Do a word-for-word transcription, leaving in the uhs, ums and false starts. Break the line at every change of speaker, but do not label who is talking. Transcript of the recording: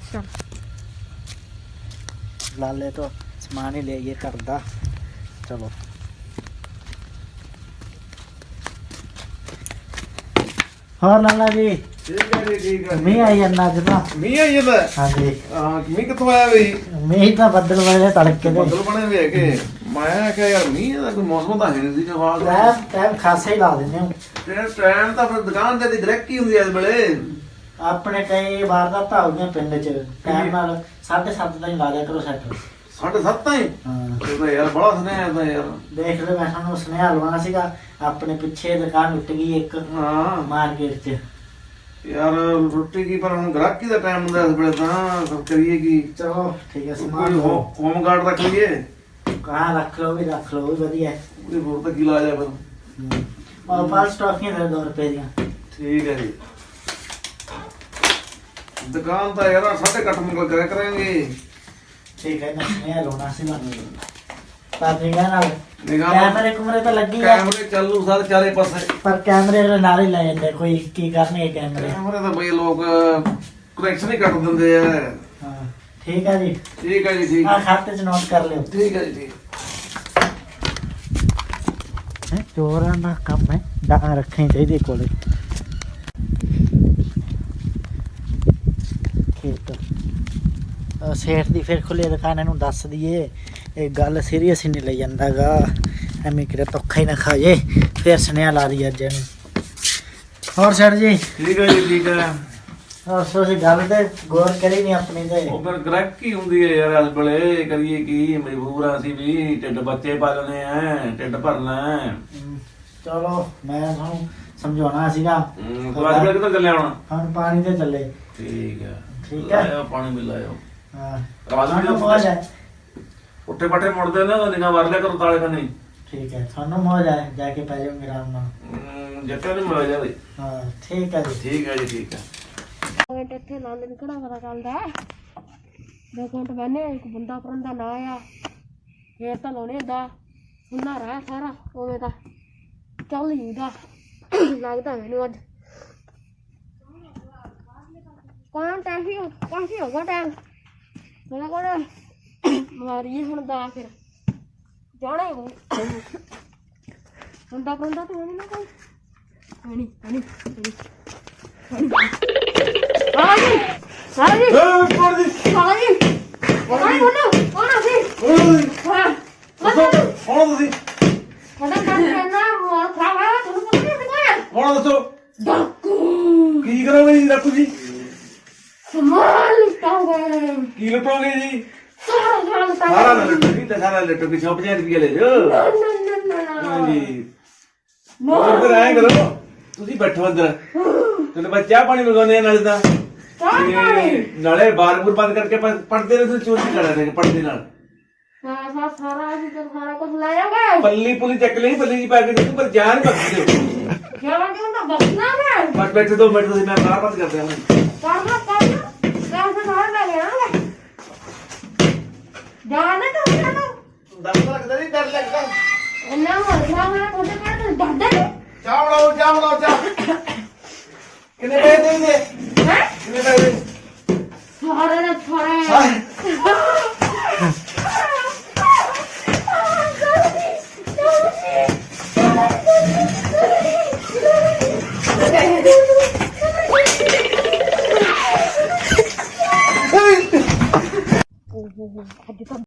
चल
लाले तो समान ही ले ये करदा चलो और लाला जी
ठीक है जी ठीक है
मी आई अन्ना जना
मी आई ਜਾਂਦਾ
हाँ जी
ਹਾਂ ਮੀਂਹ ਕਿੱਥੋਂ ਆਇਆ ਬਈ
मी ਤਾਂ ਬੱਦਲ ਵਾਲੇ ਤੜਕੇ ਦੇ
ਬੱਦਲ ਬਣੇ ਹੋਏ ਕਿ ਮੈਂ ਕਿਹਾ ਯਾਰ ਮੀਂਹ ਦਾ ਕੋਈ ਮੌਸਮ ਤਾਂ ਹੈ ਨਹੀਂ ਸੀ ਜਵਾਬ
ਟਾਈਮ ਟਾਈਮ ਖਾਸਾ ਹੀ ਲਾ ਦਿੰਦੇ ਹਾਂ
ਤੇ ਟਾਈਮ ਤਾਂ ਫਿਰ ਦੁਕਾਨ ਤੇ ਦੀ ਗ੍ਰੈਕ ਹੀ ਹੁੰਦੀ ਐ ਇਸ ਵੇਲੇ
ਆਪਣੇ ਕਈ ਵਾਰਦਾਤਾਂ ਹੋ ਗਈਆਂ ਪਿੰਡ 'ਚ ਟਾਈਮ ਨਾਲ ਸਾਢੇ ਸੱਤ ਦਾ ਹੀ ਲਾ ਦਿਆ ਕਰੋ ਸੈੱਟ
ਸਾਢੇ ਸੱਤ ਤਾਈਂ
ਹਾਂ
ਇਹ ਤਾਂ ਯਾਰ ਬੜਾ ਸੁਨੇਹਾ ਤਾਂ ਯਾਰ
ਦੇਖ ਲੈ ਮੈਂ ਤੁਹਾਨੂੰ ਸੁਨੇਹਾ ਲਵਾਉਣਾ ਸੀਗਾ ਆਪਣੇ ਪਿੱਛੇ ਦੁਕਾਨ ਉੱਟ ਗਈ ਇੱਕ
ਹਾਂ
ਮਾਰਕੀਟ 'ਚ
ਯਾਰ ਰੋਟੀ ਕੀ ਪਰ ਹੁਣ ਗ੍ਰਾਹਕੀ ਦਾ ਟਾਈਮ ਹੁੰਦਾ ਇਸ ਵੇਲੇ ਤਾਂ ਸਭ ਕਰੀਏ ਕੀ
ਚਲੋ ਠੀਕ ਹੈ
ਕੋਈ
ਸਮਾਨ
ਹੋਮ ਗਾਰਡ ਰੱਖ ਲਈਏ
ਕਹਾਂ ਰੱਖ ਲਓ ਵੀ ਰੱਖ ਲਓ ਵੀ ਵਧੀਆ ਹੈ
ਉਹਦੇ ਹੋਰ ਤਾਂ ਕੀ ਲਾ ਜਾ ਫਿਰ
ਹੂੰ। ਔਰ ਪਾਲਸ ਟਾਫੀਆਂ ਦੇ ਦੋ ਰੁਪਏ ਦੀਆਂ
ਠੀਕ ਹੈ ਜੀ ਦੁਕਾਨ ਤਾਂ ਯਾਰ ਸਾਢੇ ਅੱਠ ਮੁਕਲ ਕਰਿਆ ਕਰਾਂਗੇ
ਠੀਕ ਹੈ ਨਾ ਸੁਨੇਹਾ ਲਾਉਣਾ ਸੀਗਾ ਪਰ ਨਿਗਾਹ ਨਾਲ
ਨਿਗਾਹ
ਕੈਮਰੇ ਕੁਮਰੇ ਤਾਂ ਲੱਗੀ ਆ
ਕੈਮਰੇ ਚੱਲੂ ਸਾਰੇ ਚਾਰੇ ਪਾਸੇ
ਪਰ ਕੈਮਰੇ ਦੇ ਨਾਲ ਹੀ ਲੈ ਜਾਂਦੇ ਕੋਈ ਕੀ ਕਰਨਗੇ ਕੈਮਰੇ
ਕੈਮਰੇ ਤਾਂ ਬਈ ਲੋਕ ਕਨੈਕਸ਼ਨ ਹੀ ਕੱਟ ਦਿੰਦੇ ਆ
ਹਾਂ ਠੀਕ ਹੈ ਜੀ
ਠੀਕ ਹੈ ਜੀ ਠੀਕ
ਆ ਖਾਤੇ 'ਚ ਨੋਟ ਕਰ ਲਿਓ
ਠੀਕ ਹੈ ਜੀ ਠੀਕ
ਹੈ ਚੋਰਾਂ ਦਾ ਕੰਮ ਹੈ ਡਾਂ ਰੱਖਣੀ ਚਾਹੀਦੀ ਕੋਲੇ ਖੇਤ ਅਹ ਸੇਠ ਦੀ ਫਿਰ ਖੁੱਲੇ ਦੁਕਾਨ ਇਹਨੂੰ ਦੱਸ ਦਈਏ ਇਹ ਗੱਲ ਸੀਰੀਅਸ ਹੀ ਨਹੀਂ ਲਈ ਜਾਂਦਾਗਾ ਐਵੇਂ ਕਿਤੇ ਧੋਖਾ ਹੀ ਨਾ ਖਾ ਜੇ ਫਿਰ ਸੁਨੇਹਾ ਲਾ ਦੀ ਅੱਜ ਇਹਨੂੰ ਹੋਰ ਸਰ ਜੀ
ਠੀਕ ਹੈ ਜੀ ਠੀਕ ਹੈ
ਹੋਰ ਤੁਸੀਂ ਗੱਲ ਤੇ ਗੌਰ ਕਰੀ ਨਹੀਂ ਆਪਣੀ ਤੇ
ਉਹ ਫਿਰ ਗ੍ਰੈਕ ਹੀ ਹੁੰਦੀ ਹੈ ਯਾਰ ਇਸ ਵੇਲੇ ਕਰੀਏ ਕੀ ਮਜਬੂਰ ਆ ਅਸੀਂ ਵੀ ਢਿੱਡ ਬੱਚੇ ਪਾਲਣੇ ਆ ਢਿੱਡ ਭਰਨਾ ਹੈ
ਹਮ, ਚਲੋ ਮੈਂ ਤੁਹਾਨੂੰ ਸਮਝਾਉਣਾ ਸੀਗਾ
ਹੂੰ ਤੂੰ ਅੱਜ ਵੇਲੇ ਕਿੱਧਰ ਚੱਲਿਆ ਹੁਣ
ਹੁਣ ਪਾਣੀ ਤੇ ਚੱਲੇ
ਠੀਕ ਹੈ
ਠੀਕ ਹੈ।
ਲਾਇਓ ਪਾਣੀ ਵੀ ਲਾਇਓ
ਹਾਂ
ਆਵਾਜ਼ ਵੀ
ਤੁਹਾਨੂੰ ਮੌਜ ਹੈ
ਉੱਠੇ ਪੱਠੇ ਮੁੜਦੇ ਨੇ ਤਾਂ ਨਿਗਾਹ ਵਰ ਲਿਆ ਕਰੋ ਤਾਲੇ ਕੰਨੀ
ਠੀਕ ਹੈ ਤੁਹਾਨੂੰ ਮੌਜ ਹੈ ਜਾ ਕੇ ਪੈ ਜਾਓਗੇ ਆਰਾਮ ਨਾਲ
ਹੂੰ ਜੱਟਾਂ ਨੂੰ ਮਿਲ ਜਾ ਬਈ
ਹਾਂ ਠੀਕ ਹੈ ਜੀ
ਠੀਕ ਹੈ ਜੀ ਠੀਕ ਹੈ
ਮਿੰਟ ਇੱਥੇ ਲਾ ਲੈਣ ਕਿਹੜਾ ਪਤਾ ਚੱਲਦਾ ਦੋ ਮਿੰਟ ਬਹਿਨੇ ਇੱਕ ਬੰਦਾ ਪਰੰਦਾ ਨਾ ਆਇਆ ਫੇਰ ਤਾਂ ਲਾਉਣੇ ਦਾ ਸੁਣਨਾ ਰਹਾ ਸਾਰਾ ਉਵੇਂ ਤਾਂ ਚੱਲ ਜੂਦਾ ਲੱਗਦਾ ਮੈਨੂੰ ਅੱਜ ਕੌਣ ਟੈਫੀ ਕਾਫੀ ਹੋ ਗਿਆ ਟਾਈਮ ਮੇਰਾ ਕੋਲ ਮਾਰੀਏ ਹੁਣ ਦਾ ਫਿਰ ਜਾਣਾ ਹੀ ਬੰਦਾ ਪਰੰਦਾ ਤਾਂ ਨਹੀਂ ਨਾ ਕੋਈ ਨਹੀਂ ਨਹੀਂ ਹਾਂਜੀ ਹਾਂਜੀ
ਏ ਕੋਣ ਦੀ
ਹਾਂਜੀ ਕੌਣ ਬੋਲੋ ਕੌਣ ਆ ਸੀ
ਓਏ
ਹਾਂ
ਦੱਸੋ ਕੌਣ ਤੁਸੀਂ
ਕੌਣ ਕਰਨਾ ਮੋਰ ਖਾਵਾ ਤੁਹਾਨੂੰ ਪਤਾ ਨਹੀਂ ਕੌਣ
ਕੌਣ ਦੱਸੋ
ਡਾਕੂ
ਕੀ ਕਰੋਗੇ ਜੀ ਰੱਖੂ ਜੀ
ਸਮਾਨ ਲੁਟਾਓਗੇ
ਕੀ ਲੁੱਟੋਗੇ ਜੀ
ਸਾਰਾ ਸਾਰਾ
ਸਾਰਾ
ਲੁਟਾਓਗੇ
ਨਾ ਲੁੱਟੋ ਜੀ ਤੇ ਸਾਰਾ ਲੁੱਟੋ ਕਿ ਸੌ ਪੰਜਾਹ ਰੁਪਏ ਲੈ ਜਾਓ
ਨਾ ਨਾ ਨਾ ਨਾ
ਹਾਂਜੀ ਹੋਰ ਫਿਰ ਐਂ ਕਰੋ ਤੁਸੀਂ ਬੈਠੋ ਅੰਦਰ ਤੇ ਬਸ ਚਾਹ ਪਾਣੀ ਮੰਗਾਉਂਦੇ ਆ ਨਾਲੇ ਤਾਂ
ਚਾਹ ਪਾਣੀ
ਤੇ ਨਾਲੇ ਬਾਰ-ਬੂਰ ਬੰਦ ਕਰਕੇ ਪੜਦੇ ਨੇ ਤੁਸੀਂ ਚੋਰੀ ਕਰ ਰਹੇ ਨੇ ਪੜਦੇ ਨਾਲ
ਸਾਰਾ ਸਾਰਾ ਅਸੀਂ ਤਾਂ ਸਾਰਾ ਕੁਝ ਲੈ ਜਾਓਗੇ
ਪੱਲੀ ਪੁਲੀ ਚੱਕ ਲਈ ਪੱਲੀ ਜੀ ਪਾ ਕੇ ਦੇਖੋ ਪਰ ਜਾਨ ਬਖਸ਼ ਦਿਓ
ਕਿਉਂ ਕਿਉਂ ਤਾਂ ਬਸਣਾ ਮੈਂ
ਬਸ ਬੈਠੇ ਦੋ ਮਿੰਟ ਤੁਸੀਂ ਮੈਂ ਬਾਹਰ ਬੰਦ ਕਰਦੇ ਹਾਂ
ਕਰਨਾ ਕਰਨਾ ਪੈਸੇ ਨਾਲ ਲੈ ਗਿਆ ਜਾਣਾ ਤਾਂ ਹੁੰਦਾ ਨਾ
ਡਰ ਲੱਗਦਾ ਨਹੀਂ ਡਰ ਲੱਗਦਾ
ਇੰਨਾ ਮਰਨਾ ਮੈਂ ਕੋਤੇ ਕਰ ਤੂੰ ਡਰਦਾ ਨਹੀਂ
ਚਾਹ ਬਣਾਓ ਚਾਹ ਬਣਾਓ ਚਾਹ ਕਿੰਨੇ ਪੈਸੇ ਦੇਂਗੇ
ਹੈ
ਕਿੰਨੇ ਪੈਸੇ
ਸਾਰੇ ਨੇ ਸਾਰੇ